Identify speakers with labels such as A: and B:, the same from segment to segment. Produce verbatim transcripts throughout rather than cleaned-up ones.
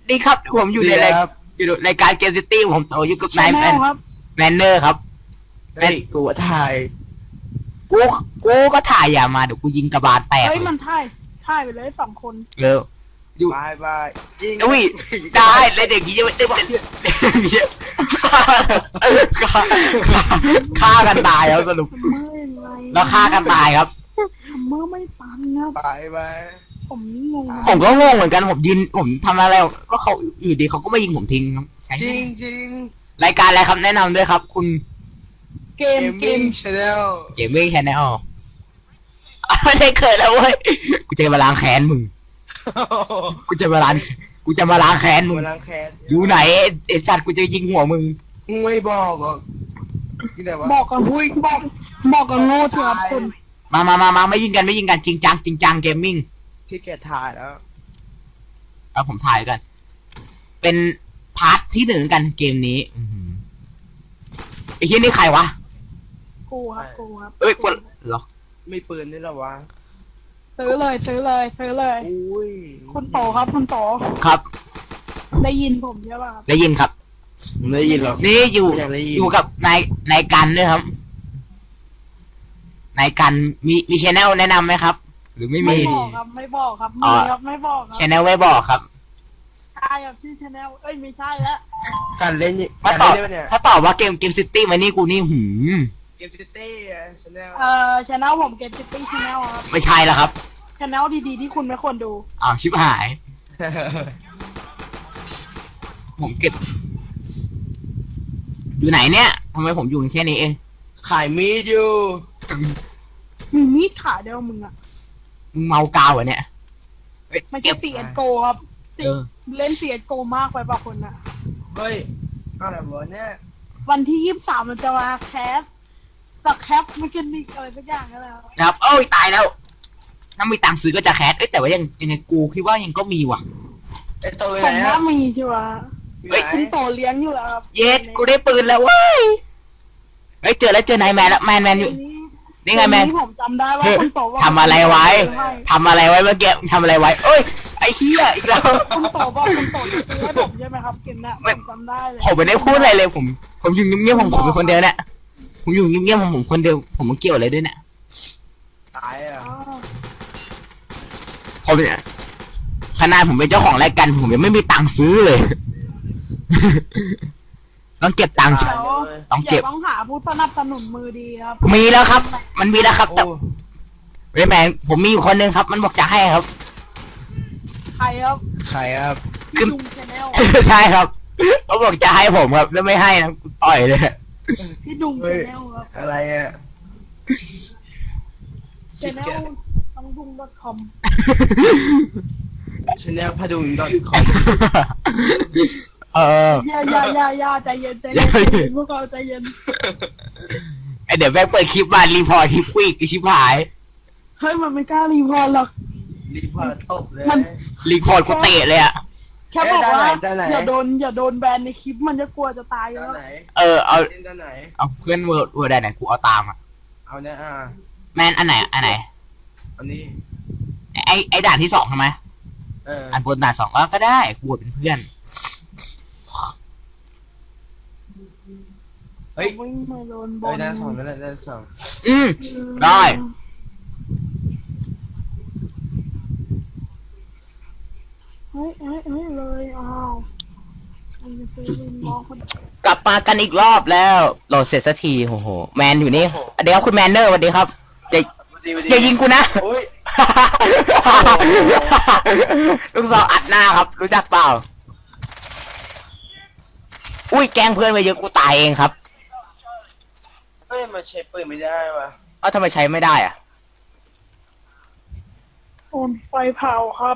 A: ดีครับผมอยู่ในรายอยู่ในรายการเกมซิตี้ผมโตอยู่กับนายแมนแมนเนอร์ครับ
B: เฮ้ยกูถ่าย
A: กูกูก็ถ่ายอย่ามาเดี๋ยวกูยิงกระบาลแตก
C: เฮ้ยมันถ่ายถ่ายไปเลยสองคน
A: เร็วอยู่
B: บายบายยิง
A: อุ้ยได้เลยเด็กนี้จะไม่ได้ฆ่าฆ่ากันตายแล้วสรุป
C: เมื่อไร
A: แล้วฆ่ากันตายครับ
C: เมื่อไม่ตันครับ
B: บายบาย
C: ผมงง
A: ผมก็งงเหมือนกันผมยืนผมทำอะไรก็เขาอยู่ดีเขาก็ไม่ยิงผมทิ้งครับใช่
B: จริงจริง
A: รายการอะไรครับแนะนำด้วยครับ คุณ
C: เก
B: เก
C: ม
B: ม
C: เก
B: มิ่ง
C: ม
B: ชาแนล
A: เกมมิ่งแชนแนลไม่ได้เกิดแล้วเว้ยกูจะมาล้างแค้นมึงกูจะมาล้างกูจะมาล้างแค้นมึง
B: มาล้างแค้น
A: อยู่ไหนไอ้สัตว์กูจะยิงหัวมึง
B: มึงไม่บอกหรอกที่ไหนวะ
C: บอกกับอุ้ยบอกบอกกับโง่เถอะครับคุณ
A: มามามามาไม่ยิงกันไม่ยิงกันจริงจังจริงจังเกมมิ่ง
B: ที่แกถ่ายแล้ว
A: เอาผมถ่ายกัน เป็นพาร์ทที่หนึ่งกันเกมนี้อื้อหือไอ้ที่นี่ใครวะ
C: กูครับกูครับ
A: เอ้ยกูเหรอ
B: ไม่ปืนนี่หรอวะ
C: ซื้อเลยซื้อเลยซื้อเลย
B: อุ้ย
C: คุณโตครับคุณโต
A: ครับ
C: ได้ยินผมใช่ป่ะครับ
A: ได้ยินครับ
B: ไม่ได้ยินหรอก
A: นี่อยู่
B: ไม่อยากได้ยิน
A: อยู่กับนายนายกันด้วยครับนายกันมีมีชแนลแนะนำไหมครับ หรือไม่
C: ไม่
A: มี
C: บอกครับไม่บอกครับ
A: อ๋
C: มี
A: อ
C: ครับไม่บอกค
A: ช
C: รับ
A: แนลไว้บอกครับ
C: ใช่ครับชื่อชาแนลเอ้ยไม่ใช่แล้ว
B: การเล่นนี่
A: ถ้า
B: การ
A: ตอบ
B: เล่นได้ปะเนี่ย
A: ถ้าตอบว่าเกมเกมซิตี้มานี่กูนี่หืม
B: เกมซิตี้ชาแนล
C: เอ่อชาแนลผมเกมซิตี้ชาแนลครับ
A: ไม่ใช่แล้วครับ
C: ชาแนลดีๆที่คุณไม่ควรดู
A: อ้าวชิบหาย ผมเก็บ อยู่ไหนเนี่ยทำไมผมอยู่แค่นี้เอง
B: ขายมีดอยู่
C: มีมีดขาเดียวมึงอะ
A: มึงเมากาวเหรอเนี่ยเฮ้ย
C: ไม่
A: เก็
C: ใช่
A: บ
C: เสียโกครับ
A: เออ
C: เล่นเสียโกมากไปป่ะคนอะ
B: เฮ้ยอะไรวะเนี่ย
C: วันที่ยี่สิบสามมันจะมาแคสสักแคปไม่กินนิกอะไรสักอย่างนั่นแหละครับ
A: นะครับเอ้ยตายแล้ว ถ้ามีตังค์ซื้อก็จะแคสเอ้ยแต่ว่ายังยังไงกูคิดว่ายังก็มีว่ะ
B: ไอ้ตัว
C: ผ
B: ไหน
C: ม
B: อะ
C: ว่ามีใช่ไหม
B: อยู่
A: เฮ้ย
B: ไหน
C: คุณโตเลี้ยงอยู่แล้วครับ
A: เย็ดกูได้ปืนแล้วเว้ยเฮ้ยเจอแล้วเจอนายแมนแล้วแมนแมนอยู่นี่ไงแมน
C: วัผมจำได้ว่า
A: เฮ้ย
C: คุณโตว่า
A: ทำอะไรไว้ทำอะไรไว้เมื่อกี้ทำอะไรไว้เอ้ยไอ้เหี้ยอีกแล้ว
C: คุณโตบอกคุณโตจะซื้อให้ผมใช่ไหมครับเกมน่ะผมจำได้เลย
A: ผมไม่ได้พูดอะไรเลยผม ผมอยู่เงียบๆผมผมเป็นคนเดียวเนี่ยผมอยู่เงียบๆผมผมคนเดียวผมไม่เกี่ยวอะไรด้วยเนี่ย
B: ตายอ่ะ
C: อ๋อ
A: ผมเนี่ยขนาดผมเป็นเจ้าของรายการผมยังไม่มีตังค์ซื้อเลย ต้องเก็บตังค์
B: ตายเลย
A: ต้องเก็บ
C: ดี๋ยวต้องหาผู้สนับสนุนมือดีครับ
A: มีแล้วครับ มันมีแล้วครับแต่
B: โอ้
A: เฮ้ยแมนผมมีอยู่คนนึงครับ มันบอกจะให้ครับ
C: ใครครับ
B: ใครครับ
C: พี่ลุงชาแนล
A: ใช่ครับเขาบอกจะให้ผมครับแล้วไม่ให้นะกูต่อยเลย
C: พี่ดุง
B: เฮ้
C: ชาย แนลครับ
B: อะไรอ่ะ
C: ชาแนลต้องดุง .com
B: ชาแนลพดุง .com
A: เออ
C: อย่าอย่าอย่าอย่าใจเย็นใจเย็นใจเย็นพวกเราใจเย็น
A: ไอเดี๋ยวแม่งเปิดคลิปมารีพอร์ตคลิปควิกคลิปหาย
C: เฮ้ยมันไม่กล้ารีพอร์ตหรอก
B: รีพอร์ตตบเลย
C: มัน
A: รีพอร์ตกูเตะเลยอะ
C: แค่บอกว่า
B: ด้านไหนด้านไหน
C: อย่าโดนอย่าโดนแบนในคลิปมันจะกลัวจะตาย
B: ด้าน
C: แล้ว
B: ไหน
A: เออเอา
B: เล่นด้านไหน
A: เอาเพื่อนเวิร์ดเวิร์ดไหนกูเอาตามอะ
B: เอาเนี่ยอ่า
A: แมนอันไหนอันไหน
B: อันนี้
A: ไอไอด่านที่สองทำไม
B: เออ
A: อันบนด่านสองก็ได้กูเป็นเพื่อน
B: เฮ้ย
C: วิ่งมาโดนบ
B: เฮ้ย
C: น
B: ด้านสองนั่นแหละด้านสอง
A: อืม ได้
C: เฮ้ยเฮ้ยเฮ้ยเลยอ้าวไอ้เซเว่นมองคน
A: กลับมากันอีกรอบแล้วโหลดเสร็จสักทีโอ้โหแมนอยู่นี่เดี๋ยวคุณแมนเนอร์สวัสดีครับอย่าอย่ายิงกูนะ
B: โอ้ย
A: ลูกซองอัดหน้าครับ รู้จักเปล่า อุ้ยแกล้งเพื่อนไปเยอะกูตายเองครับ
B: เฮ้ยมันใช้ปืนไม่ได้ว่ะ
A: เอ้าทำไมใช้ไม่ได้อะ
C: โอนไฟเผาครับ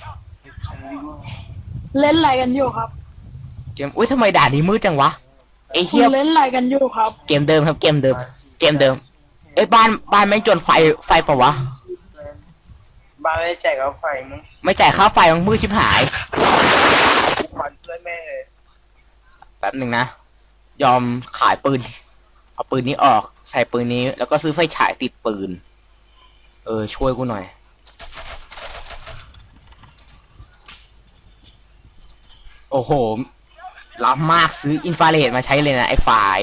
C: เล่นอะไรกันอยู่ครับ
A: เกมอุ้ยทำไมด่านนี้มืดจังวะไอ้
C: คุ
A: เฮีย
C: ณเล่นอะไรกันอยู่ครับ
A: เกมเดิมครับเกมเดิม เกมเดิมเอ้ยบ้านบ้านไม่จนไฟไฟเปล่าวะ
B: บ้านไม่ได้แจกเอาไฟมึง
A: ไม่จ่ายค่าไฟมันมืดชิบหาย
B: กูควันเพื่อนแม่เลย
A: แป๊บหนึ่งนะ ยอมขายปืน เอาปืนนี้ออก ใส่ปืนนี้ แล้วก็ซื้อไฟฉายติดปืน เออ ช่วยกูหน่อยโอ้โหล้ำมากซื้ออินฟราเรดมาใช้เลยนะไอ้ไฟล์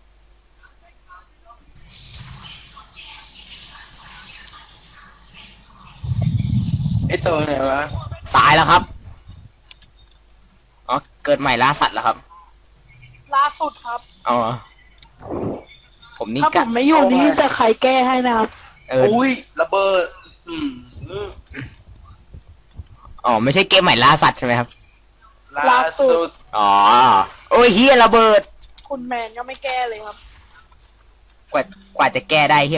B: ไอ้ตัวไหนวะ
A: ตายแล้วครับอ๋อเกิดใหม่ล่าสัตว์แล้วครับ
C: ล่าสุดครับ
A: อ๋อผมนี่
C: ถ้าผ
A: กะ
C: มไม่อยู่นี่จะใครแก้ให้นะครับ
A: เออ
B: อุ้ยระเบิด อืมอืม
A: อ๋อไม่ใช่เกมใหม่ล่าสัตว์ใช่ไหมครับ
B: ล่าสุด
A: อ๋อโอ้ยเฮียระเบิด
C: คุณแมนก็ไม่แก้เลยครับ
A: กว่ากว่าจะแก้ได้เฮีย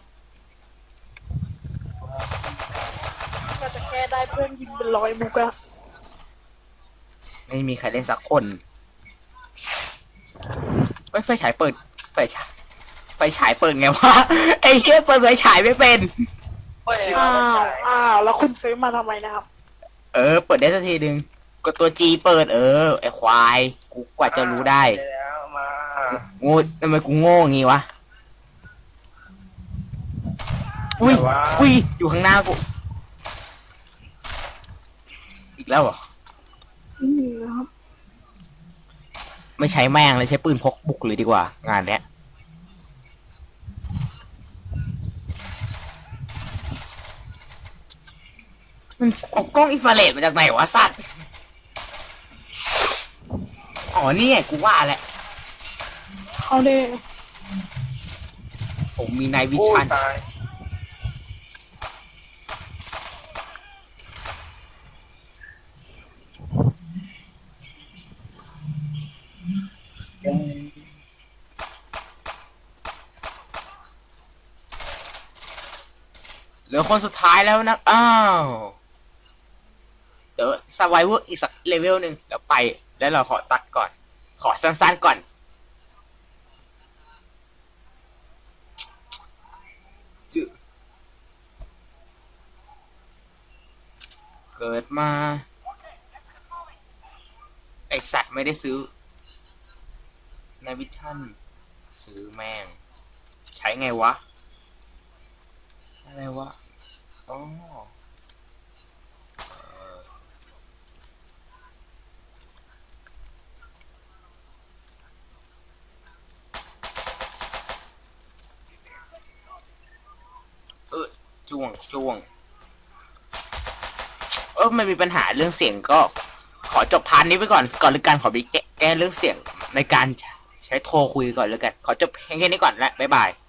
C: ก็จะแก้ได้เพื่อนยิงเป็นร้อยมุกอะ
A: ไม่มีใครเล่นสักคนเฮ้ยไฟฉายเปิดไฟฉายไฟฉายเปิดไงวะ ไอ้เฮียเปิดไฟฉายไม่เป็น
B: เปิด
C: อ้า
B: มาไม่
C: ว
B: ใช่
C: อ้าวแล้วคุณซื้อมาทำไมนะครับ
A: เออเปิดได้สักทีหนึ่งกดตัวจีเปิดเออไอ้ควายกูกว่าจะรู้ได้
B: แล้วมา
A: โง่ทำไมกูโง่งี้วะอุ้ย
B: แต่ว่า
A: อุ้ยอยู่ข้างหน้ากูอีกแล้วเหรอ
C: อืมนะครับ
A: ไม่ใช้แม่งเลยใช้ปืนพกบุกเลยดีกว่า งานเนี้ยมันเอากล้องอินฟราเรดมาจากไหนวะสัตว์อ๋อนี่ไงกูว่าแหละ
C: เขาได้
A: ผมมีไนวิ
B: โอ้
A: ชั่น
B: ตายยัง
A: เหลือคนสุดท้ายแล้วนะอ้าวเดี๋ยวสไวเวอร์อีกสักเลเวลหนึ่งเดี๋ยวไปแล้วเราขอตัดก่อน ขอสั้นๆก่อนจึเกิดมา ไอสัตว์ไม่ได้ซื้อในวิชั่นซื้อแม่ง ใช้ไงวะ อะไรวะอ๋อเออเออจ้วงจ้วง เออไม่มีปัญหาเรื่องเสียงก็ ขอจบพาร์ทนี้ไปก่อน ก่อนหรือการขอไปแก้แก้เรื่องเสียงในการใช้โทรคุยก่อนแล้วกัน ขอจบแค่นี้ก่อนและบ๊ายบาย